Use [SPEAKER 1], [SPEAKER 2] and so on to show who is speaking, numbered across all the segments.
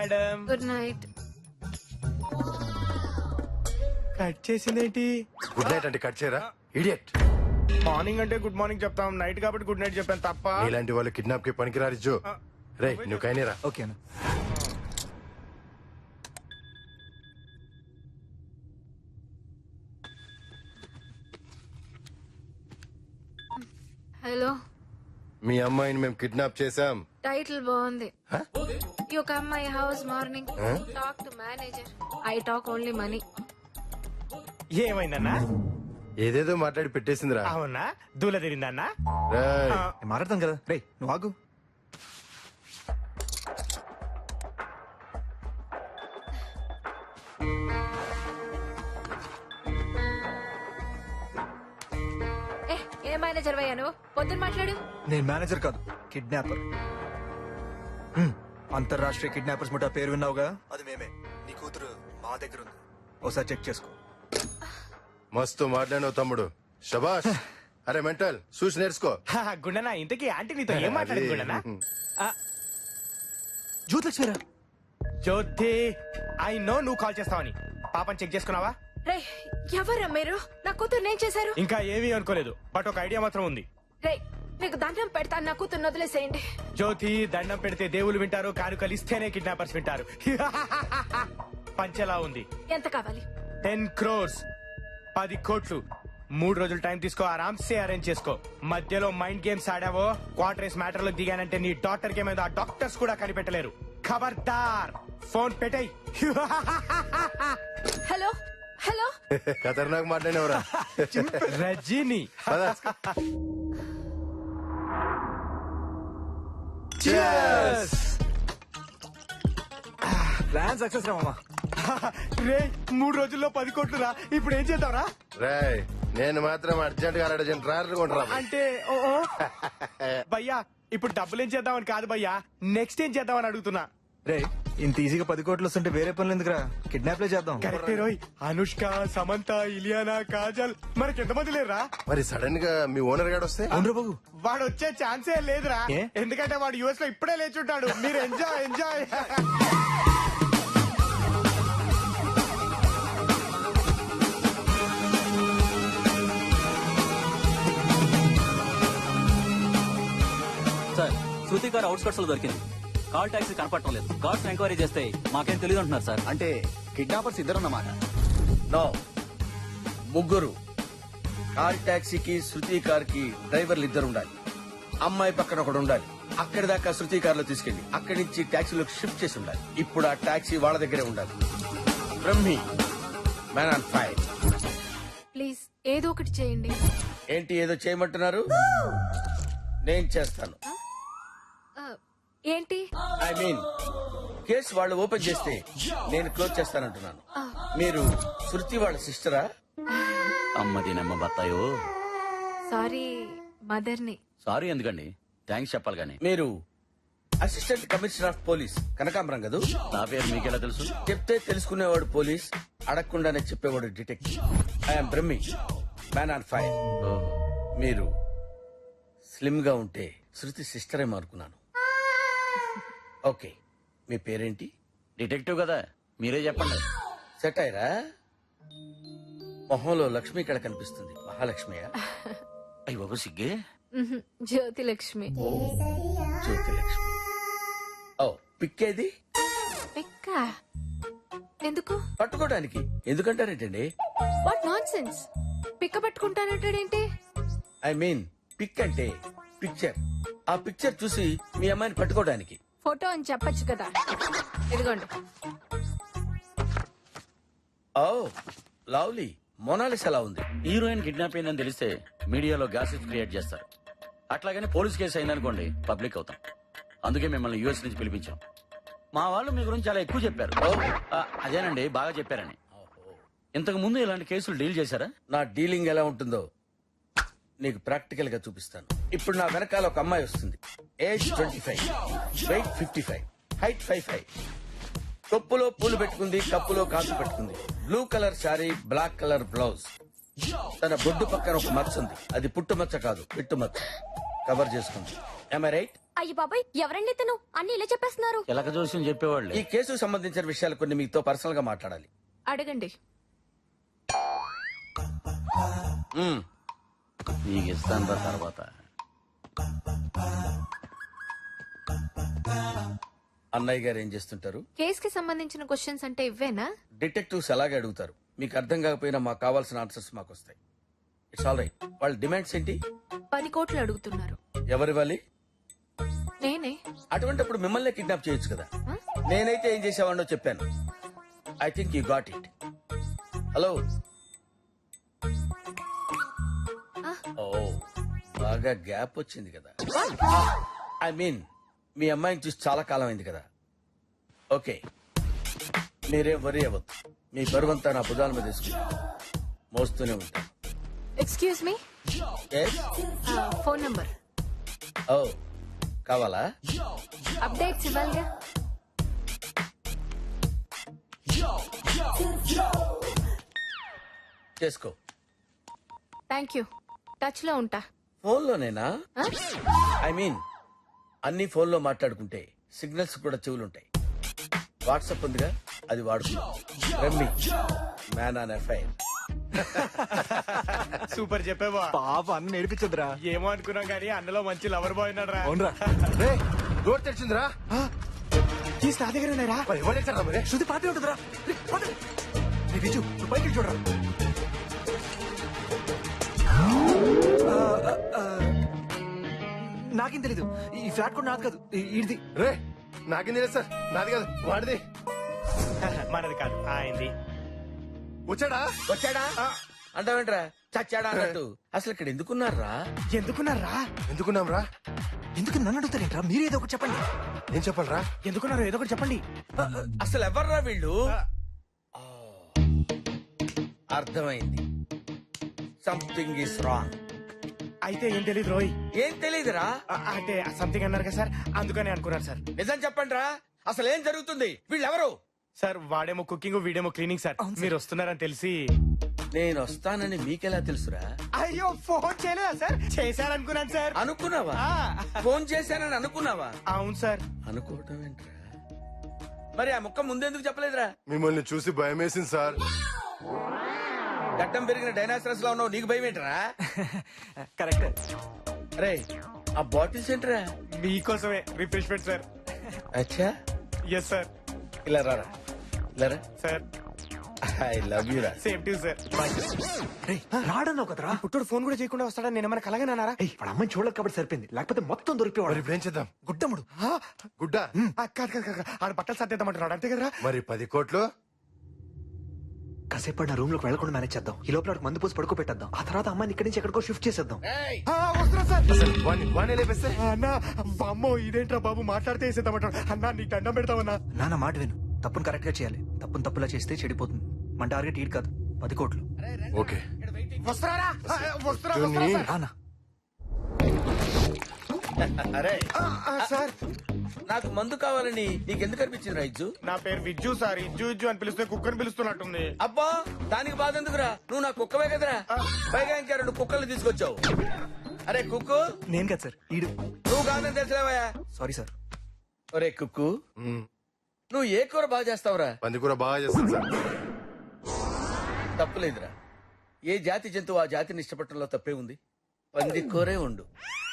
[SPEAKER 1] Madam.
[SPEAKER 2] Good night.
[SPEAKER 1] Cut చేసిందేంటి?
[SPEAKER 3] Good night అంటే cut చేయరా ఇడియట్.
[SPEAKER 1] మార్నింగ్ అంటే గుడ్ మార్నింగ్ చెప్తాం, నైట్ కాబట్టి గుడ్ నైట్ చెప్పాను తప్ప.
[SPEAKER 3] ఇలాంటి వాళ్ళు కిడ్నాప్ కి పనికిరారు జో. రే నువ్వు కైనేరా.
[SPEAKER 4] ఓకేనా?
[SPEAKER 2] హలో,
[SPEAKER 3] మీ అమ్మాయిని మేము కిడ్నాప్ చేసాం.
[SPEAKER 2] టైటిల్ బాగుంది. You come my house morning, talk to manager. I talk only money.
[SPEAKER 1] ఏమైందన్నా?
[SPEAKER 3] ఏదేదో మాట్లాడి పెట్టేసిందిరా.
[SPEAKER 1] అవునా? దూల తిరిందన్నా?
[SPEAKER 3] రేయ్,
[SPEAKER 4] నేను మాట్లాడతాం కదా. రే నువ్వు ఆగు.
[SPEAKER 2] ఏ మేనేజర్ వయ్యా నువ్వు? పొద్దున్న మాట్లాడు.
[SPEAKER 4] నేను మేనేజర్ కాదు, కిడ్నాపర్. అంతర్రాష్ట్రీయ కిడ్నాపర్స్ ముఠా పేరు విన్నావుగా, అది మేమే. నీ కూతురు మా దగ్గర ఉంది, ఒకసారి చెక్ చేసుకో.
[SPEAKER 3] మస్తు మాట్లాడినావు తమ్ముడు, శబాష్. అరే మెంటల్ చూసి నేర్చుకో.
[SPEAKER 1] గుండనా, ఇంతకీ ఆంటీ నీతో ఏం మాట్లాడింది గుండనా?
[SPEAKER 4] జ్యోతిలక్ష్మిరా.
[SPEAKER 1] జ్యోతి, ఐ నో నువ్వు కాల్ చేస్తావని. పాపని చెక్ చేసుకున్నావా?
[SPEAKER 2] రే, ఎవరా మీరు? నా కూతురు నేను చేశారు?
[SPEAKER 1] ఇంకా ఏమీ అనుకోలేదు, బట్ ఒక ఐడియా మాత్రం ఉంది.
[SPEAKER 2] రే, మీకు దండం పెడతాను, నా కూతురు వదిలేసేయండి.
[SPEAKER 1] జ్యోతి, దండం పెడితే దేవుళ్ళు వింటారు, కానుకలు ఇస్తేనే కిడ్నాపర్స్ వింటారు. పంచెలా ఉంది.
[SPEAKER 2] ఎంత కావాలి?
[SPEAKER 1] 10 crores, 10 కోట్లు. 3 రోజులు టైం తీసుకో, ఆరామ్సే అరేంజ్ చేసుకో. మధ్యలో మైండ్ గేమ్స్ ఆడావో, క్వార్టర్స్ మ్యాటర్ లో దిగానంటే నీ డాక్టర్ కి మీద డాక్టర్స్ కూడా కనిపెట్టలేరు. ఖబర్దార్, ఫోన్ పెట్టేయ్.
[SPEAKER 2] హలో హలో,
[SPEAKER 3] ఖతర్నాక్ మాట్లాడినవరా.
[SPEAKER 1] రజీని.
[SPEAKER 4] ప్లాన్ సక్సెస్ రా మామా.
[SPEAKER 1] రే, 3 రోజుల్లో 10 కోట్లు రా. ఇప్పుడు ఏం చేద్దాంరా?
[SPEAKER 3] రాయ్, నేను మాత్రం అర్జెంట్ గా 2 ట్రాయర్లు కొంటరా.
[SPEAKER 1] అంటే భయ్యా, ఇప్పుడు డబ్బులు ఏం చేద్దామని కాదు భయ్యా, నెక్స్ట్ ఏం చేద్దామని అడుగుతున్నా.
[SPEAKER 4] రే, ఇంత ఈజీగా 10 కోట్లు వస్తుంటే వేరే పనులు ఎందుకురా, కిడ్నాప్లే చేద్దాం.
[SPEAKER 1] కరెక్టే రోయ్. అనుష్క, సమంత, ఇలియానా, కాజల్, మనకి ఎంతమంది లేరా?
[SPEAKER 3] మరి సడన్ గా మీ ఓనర్ గాడు వస్తే?
[SPEAKER 4] అవునరా బాబు.
[SPEAKER 1] వాడు వచ్చే ఛాన్సే లేదురా.
[SPEAKER 4] ఏ?
[SPEAKER 1] ఎందుకంటే వాడు యుఎస్ లో ఇప్పుడే లేచుంటాడు. మీరు ఎంజాయ్ ఎంజాయ్.
[SPEAKER 5] సార్, శృతి గారు అవుట్స్కట్స్ లో దొరికింది. కాల్ టాక్సీ కనపడటం లేదు. కార్డ్స్ ఎంక్వైరీ చేస్తే మాకేం తెలియదు అంటున్నారు సార్.
[SPEAKER 6] అంటే కిడ్నాపర్స్ ఇద్దరన్నమాట? నో, ముగ్గురు. కార్ టాక్సీకి శృతి కార్ కి డ్రైవర్లు 2 ఉండాలి. అమ్మాయి పక్కన ఒకడు ఉండాలి. అక్కడి దాకా శృతి కార్ లో తీసుకెళ్లి అక్కడి నుంచి టాక్సీలోకి షిఫ్ట్ చేసి ఉండాలి. ఇప్పుడు ఆ టాక్సీ వాళ్ళ దగ్గరే ఉండాలి. Brahmi, man on fire.
[SPEAKER 2] Please ఏదో ఒకటి చేయండి.
[SPEAKER 6] ఏంటి ఏదో చేయమంటున్నారు? నేను చేస్తాను.
[SPEAKER 2] ఏంటి?
[SPEAKER 6] ఐ మీన్, కేసు వాళ్ళు ఓపెన్ చేస్తే నేను క్లోజ్ చేస్తానంటున్నాను. మీరు శృతి వాళ్ళ సిస్టరా?
[SPEAKER 5] అమ్మది నమ్మ బత్తాయో.
[SPEAKER 2] సారీ, మదర్ని.
[SPEAKER 5] సారీ ఎందుకండి, థ్యాంక్స్ చెప్పాలి కానీ.
[SPEAKER 6] మీరు అసిస్టెంట్ కమిషనర్ ఆఫ్ పోలీస్ కనకాంబరం కదూ?
[SPEAKER 5] నా పేరు మీకెలా తెలుసు?
[SPEAKER 6] చెప్తే తెలుసుకునేవాడు పోలీస్, అడగకుండానే చెప్పేవాడు detective. I'm Brahmi, man on fire. మీరు స్లిమ్ గా ఉంటే శృతి సిస్టరే అనుకున్నాను. ఓకే, మీ పేరేంటి?
[SPEAKER 5] డిటెక్టివ్ కదా, మీరే చెప్పండి.
[SPEAKER 6] సెట్ అయ్యరా? మొహంలో లక్ష్మి ఇక్కడ కనిపిస్తుంది. మహాలక్ష్మియా?
[SPEAKER 5] అయ్యి బాబు సిగ్గే.
[SPEAKER 2] జ్యోతి లక్ష్మి.
[SPEAKER 6] జ్యోతి లక్ష్మి. ఓ, పిక్కేది?
[SPEAKER 2] పిక్క ఎందుకు?
[SPEAKER 6] పట్టుకోవడానికి. ఎందుకంటారేంటండి?
[SPEAKER 2] What nonsense. పిక్క పట్టుకుంటానంటాడేంటి?
[SPEAKER 6] ఐ మీన్, పిక్ అంటే పిక్చర్. ఆ పిక్చర్ చూసి మీ అమ్మాయిని పట్టుకోవడానికి.
[SPEAKER 2] ఫోటో అని చెప్పొచ్చు కదా. ఇదిగోండి.
[SPEAKER 6] Oh lovely. మొనాలిస్ ఎలా ఉంది?
[SPEAKER 5] హీరోయిన్ కిడ్నాప్ అయిందని తెలిస్తే మీడియాలో గ్యాసెస్ క్రియేట్ చేస్తారు. అట్లాగని పోలీస్ కేసు అయిందనుకోండి, పబ్లిక్ అవుతాం. అందుకే మిమ్మల్ని యూఎస్ నుంచి పిలిపించాం. మా వాళ్ళు మీ గురించి చాలా ఎక్కువ చెప్పారు. అదేనండి, బాగా చెప్పారని. ఇంతకు ముందు ఇలాంటి కేసులు డీల్ చేశారా?
[SPEAKER 6] నా డీలింగ్ ఎలా ఉంటుందో నీకు ప్రాక్టికల్ గా చూపిస్తాను. ఇప్పుడు నా వెనకాల ఒక అమ్మాయి వస్తుంది. Age 25, wait 55, height 5'5". తొప్పులో పూలు పెట్టుకుంది, కప్పులో కాసు పెట్టుకుంది. Blue colour sari, black colour blouse. తన బొడ్డు పక్కన ఒక మచ్చ ఉంది. అది పుట్టు మచ్చ కాదు, పిట్టు మచ్చ. కవర్ చేసుకుంది. Am I right?
[SPEAKER 7] అయ్యి బాబాయ్ ఎవరండి ఇతను అన్ని ఇలా చెప్పేస్తున్నారు.
[SPEAKER 5] చిలక జోస్యం చెప్పేవాళ్ళు.
[SPEAKER 6] ఈ కేసుకు సంబంధించిన విషయాలు కొన్ని మీతో పర్సనల్ గా మాట్లాడాలి.
[SPEAKER 2] అడగండి.
[SPEAKER 6] మ్మ్.
[SPEAKER 5] నీకు ఇస్తాను రా తర్వాత.
[SPEAKER 6] అన్నయ్య గారు ఏం చేస్తుంటారు?
[SPEAKER 2] కేస్ కి సంబంధించిన క్వశ్చన్స్ అంటే ఇవ్వేనా?
[SPEAKER 6] డిటెక్టివ్స్ అలాగే అడుగుతారు. మీకు అర్థం కాకపోయినా మాకు కావాల్సిన ఆన్సర్స్ మాకు వస్తాయి. It's all right. వాళ్ళ డిమాండ్స్ ఏంటి?
[SPEAKER 2] 10 కోట్లు అడుగుతున్నారు.
[SPEAKER 6] ఎవరివ్వాలి?
[SPEAKER 2] నేనే.
[SPEAKER 6] అటువంటిప్పుడు మిమ్మల్ని కిడ్నాప్ చేయొచ్చు కదా.
[SPEAKER 2] Huh?
[SPEAKER 6] నేనైతే ఏం చేసేవాడినో చెప్పాను. I think you got it. Hello. ఓ బాగా గ్యాప్ వచ్చింది కదా. ఐ మీన్ మీ అమ్మాయిని చూసి చాలా కాలం అయింది కదా. ఓకే, మీరేం వరి అవ్వద్దు. మీ బరువంతా నా భుజాల మీద తీసుకుంటా మోస్తూనే ఉంటాను.
[SPEAKER 2] Excuse me,
[SPEAKER 6] Yes?
[SPEAKER 2] Phone number.
[SPEAKER 6] ఓ కావాలా?
[SPEAKER 2] అప్డేట్స్ ఇవ్వాలిగా.
[SPEAKER 6] చేసుకో.
[SPEAKER 2] Thank you. టచ్ లో ఉంటా.
[SPEAKER 6] ఫోన్లోనేనా?
[SPEAKER 2] Huh?
[SPEAKER 6] ఐ మీన్ అన్ని ఫోన్లో మాట్లాడుకుంటే సిగ్నల్స్ కూడా చెవులుంటాయి. వాట్సాప్ ఉందిగా, అది వాడుకుందాం. రమ్మి మ్యాన్ ఆన్ ఎఫ్ఐఆర్.
[SPEAKER 1] సూపర్ చెప్పేవా.
[SPEAKER 4] పాప అన్న నేర్పించదురా.
[SPEAKER 1] ఏమో అనుకున్నాం కానీ అన్నలో మంచి లవర్ బాయ్ ఉన్నాడు రా.
[SPEAKER 4] అవునరా.
[SPEAKER 3] డోర్ తెరిచిందిరా.
[SPEAKER 1] కీస్ నా దగ్గర ఉన్నారా?
[SPEAKER 3] మరి ఎవరు తెచ్చారా మరి?
[SPEAKER 4] శృతి పాటే ఉంటుందిరా. విజు నువ్వు పైకి వెళ్ళి చూడరా. నాకేం తెలీదు. ఈ ఫ్లాట్ కూడా నాది కాదు, ఇది.
[SPEAKER 3] రే నాకేం తెలియదు సార్, నాది కాదు వాడిది.
[SPEAKER 1] మనది కాదు ఆయనది.
[SPEAKER 3] వచ్చాడా?
[SPEAKER 6] వచ్చాడా అంటావేంట్రా? చచ్చాడా అన్నట్టు. అసలు ఇక్కడ ఎందుకున్నారా?
[SPEAKER 1] ఎందుకున్నారా?
[SPEAKER 3] ఎందుకున్నాం రా?
[SPEAKER 4] ఎందుకు నన్ను అడుగుతారేంట్రా? మీరేదో ఒకటి చెప్పండి.
[SPEAKER 3] ఏం చెప్పాలరా?
[SPEAKER 1] ఎందుకున్నారు ఏదో ఒకటి చెప్పండి.
[SPEAKER 6] అసలు ఎవర్రా వీళ్ళు? ఆ, అర్థమైంది. Something is wrong.
[SPEAKER 1] అయితే ఏం తెలియదు రోయ్.
[SPEAKER 6] ఏం తెలీదురా?
[SPEAKER 1] అంటే సంథింగ్ అన్నారు కదా సార్, అందుకని అనుకున్నారు సార్.
[SPEAKER 6] నిజం చెప్పండి రా, అసలు ఏం జరుగుతుంది? వీళ్ళెవరు?
[SPEAKER 1] సార్ వాడేమో కుకింగ్ వీడేమో క్లీనింగ్ సార్. మీరు వస్తున్నారని తెలిసి.
[SPEAKER 6] నేను వస్తానని మీకెలా తెలుసురా?
[SPEAKER 1] అయ్యో ఫోన్ చేయలేదా సార్? చేశారనుకున్నాను సార్.
[SPEAKER 6] అనుకున్నావా?
[SPEAKER 1] ఆ.
[SPEAKER 6] ఫోన్ చేశానని అనుకున్నావా?
[SPEAKER 1] అవును సార్.
[SPEAKER 6] అనుకోవటం ఏంట్రా? మరి ఆ ముక్క ముందెందుకు చెప్పలేదురా?
[SPEAKER 3] మిమ్మల్ని చూసి భయం వేసింది సార్.
[SPEAKER 6] గడ్డం పెరిగిన డైనాసరస్ లా ఉన్నావు, నీకు భయం ఏంట్రా?
[SPEAKER 4] కరెక్ట్.
[SPEAKER 6] అరే ఆ బాటిల్స్ ఏంట్రా?
[SPEAKER 1] మీకోసమే రిఫ్రెష్మెంట్ సార్.
[SPEAKER 6] అచ్చా,
[SPEAKER 1] ఎస్ సార్.
[SPEAKER 6] ఇలా రారా, ఇలా రా.
[SPEAKER 1] సార్
[SPEAKER 6] ఐ లవ్ యూ రా.
[SPEAKER 1] Same to sir.
[SPEAKER 4] రాడన్నావు కదరా.
[SPEAKER 1] పుట్టుడు ఫోన్ కూడా చేయకుండా వస్తాడని నేను ఏమైనా కలగనన్నారా?
[SPEAKER 4] ఏయ్, వాడు అమ్మని చూడలేదు కాబట్టి సరిపోయింది, లేకపోతే మొత్తం
[SPEAKER 3] మరి
[SPEAKER 4] దొరికిపోవాడు.
[SPEAKER 3] ఇప్పుడు ఏం చేద్దాం?
[SPEAKER 4] గుడ్డముడు.
[SPEAKER 3] గుడ్డ?
[SPEAKER 1] కాదు కాదు కాదు, ఆడ బట్టలు సర్దేద్దామంటున్నాడు అంతే కదరా?
[SPEAKER 3] మరి 10 కోట్లు?
[SPEAKER 4] కాసేపు నా రూమ్ లోకి వెళ్లకుండా మేనేజ్ చేద్దాం. ఈ లోపల వాడికి మందు పోసి పడుకో పెట్టేద్దాం. ఆ తర్వాత అమ్మాయిని ఇక్కడి నుంచి ఎక్కడికో షిఫ్ట్ చేసేద్దాం.
[SPEAKER 6] ఏయ్,
[SPEAKER 1] వస్తున్నా సార్.
[SPEAKER 3] వాణ్ణి లేపేస్తే?
[SPEAKER 1] అన్నా అమ్మో ఇదేంట్రా బాబు మాట్లాడితే వేసేద్దామంటాడు. అన్నా నీకు దండం పెడతామన్నా.
[SPEAKER 4] నాన్న మాట విను. తప్పును కరెక్ట్ గా చేయాలి. తప్పును తప్పులా చేస్తే చెడిపోతుంది. మన టార్గెట్ ఈడు కాదు, 10 కోట్లు.
[SPEAKER 3] ఓకే.
[SPEAKER 1] వస్తున్నారా? వస్తున్నా
[SPEAKER 3] జూని.
[SPEAKER 4] రానా.
[SPEAKER 6] అరే
[SPEAKER 1] సార్.
[SPEAKER 6] నాకు మందు కావాలని నీకెందుకు అనిపించింది రైజు?
[SPEAKER 1] నా పేరు విజ్జు సార్. ఇజ్జు ఇజ్జు అని పిలిస్తే కుక్కని పిలుస్తున్నట్టుంది.
[SPEAKER 6] అబ్బా దానికి బాధ ఎందుకురా? నువ్వు నా కుక్కవే కదరా. పైగా ఇంకా 2 కుక్కలు తీసుకొచ్చావు. అరే కుక్కు,
[SPEAKER 4] నేను కాదు సార్, ఈడు.
[SPEAKER 6] నువ్వు కాదని తెలిసిలేవయా?
[SPEAKER 4] Sorry sir.
[SPEAKER 6] ఒరే కుక్కు, నువ్వు ఏ కూర బాగా చేస్తావురా?
[SPEAKER 3] పందికూర బాగా చేస్తాను సార్.
[SPEAKER 6] తప్పులేదురా. ఏ జాతి జంతువు ఆ జాతిని ఇష్టపడటంలో తప్పే ఉంది. పంది కూరే ఉండు.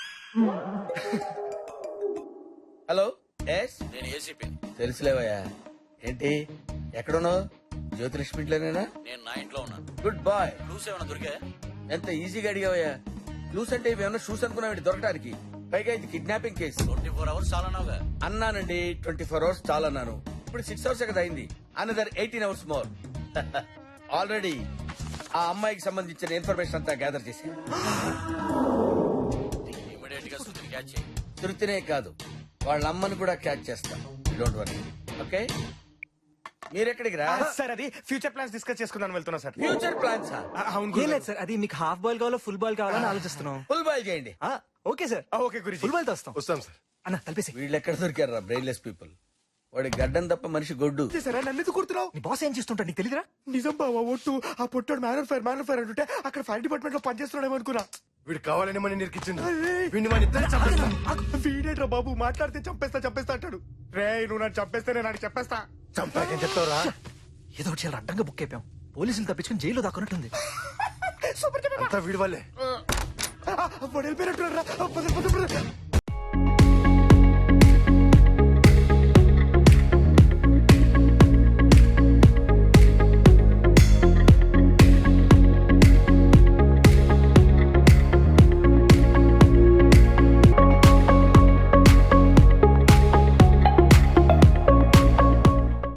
[SPEAKER 6] హలో, ఎస్
[SPEAKER 5] నేను ఏసీపీ.
[SPEAKER 6] తెలుసులేవయ్యా. ఏంటి ఎక్కడున్నావు? జ్యోతిలక్ష్మిట్లోనేనా?
[SPEAKER 5] నేను నా ఇంట్లో ఉన్నాను.
[SPEAKER 6] Good bye.
[SPEAKER 5] క్లూస్ ఏమైనా దొరికా?
[SPEAKER 6] ఎంత ఈజీగా అడిగావయ్యా. క్లూస్ అంటే ఇవేమన్నా షూస్ అనుకున్నావు దొరకడానికి? పైగా ఇది కిడ్నాపింగ్ కేసు.
[SPEAKER 5] 24 hours చాలా నావుగా.
[SPEAKER 6] అన్నానండి, 24 అవర్స్ చాలా అన్నాను. ఇప్పుడు 6 అవర్స్ కదా అయింది. Another 18 hours more. ఆల్రెడీ ఆ అమ్మాయికి సంబంధించిన ఇన్ఫర్మేషన్ అంతా గ్యాదర్ చేశాను.
[SPEAKER 5] ఇమీడియట్ గా శృతిని క్యాచ్ చేయి.
[SPEAKER 6] తృప్తినే కాదు, వాళ్ళ అమ్మని కూడా క్యాచ్ చేస్తాం. Don't worry. ఓకే, మీరెక్కడికి రా?
[SPEAKER 1] సార్ అది ఫ్యూచర్ ప్లాన్స్ డిస్కస్ చేసుకుందాం వెళ్తున్నా సార్.
[SPEAKER 6] Future plans.
[SPEAKER 1] అవును
[SPEAKER 4] ఏం
[SPEAKER 1] గురు.
[SPEAKER 4] లేదు సార్, అది మీకు హాఫ్ బాల్ కావాలో ఫుల్ బాల్ కావాలని ఆలోచిస్తున్నాం.
[SPEAKER 6] ఫుల్ బాయ్ చేయండి.
[SPEAKER 4] ఓకే సార్,
[SPEAKER 1] ఓకే గురించి.
[SPEAKER 4] ఫుల్ బాల్ తో వస్తాం.
[SPEAKER 3] వస్తాం సార్.
[SPEAKER 4] అన్న కలిపేసి.
[SPEAKER 6] వీళ్ళు ఎక్కడ దొరికారా బ్రెయిన్లెస్ పీపుల్? వాడి గడ్డం తప్ప మనిషి గొడ్డు.
[SPEAKER 1] సరే నన్ను ఎందుకు కుడుతున్నావు?
[SPEAKER 4] నీ బాస్ ఏం చేస్తుంటా నీకు తెలియదురా?
[SPEAKER 1] నిజం బావా ఒట్టు. ఆ పొట్టాడు మ్యాన్ ఫైర్ అంటుంటే అక్కడ ఫైర్ డిపార్ట్మెంట్ లో పనిచేస్తున్నాడేమో అనుకున్నా.
[SPEAKER 3] వీడు కావాలని మనం నిరికిచ్చింది వీడిని మన ఇద్దరు చంపేస్తా
[SPEAKER 1] వీడేట్రా బాబు మాట్లాడితే చంపేస్తా అంటాడు. రే నువ్వు నన్ను చంపేస్తే నేను నాకు చెప్పేస్తా.
[SPEAKER 3] చంపాకేం చెప్తావురా?
[SPEAKER 4] ఏదో ఒకటి చాలా అడ్డంగా బుక్ అయిపోయాం. పోలీసులు తప్పించుకుని జైల్లో దాక్కున్నట్టుంది.
[SPEAKER 1] సూపర్
[SPEAKER 3] అంతా వీడి వాళ్ళే.
[SPEAKER 1] వెళ్ళిపోయినట్టు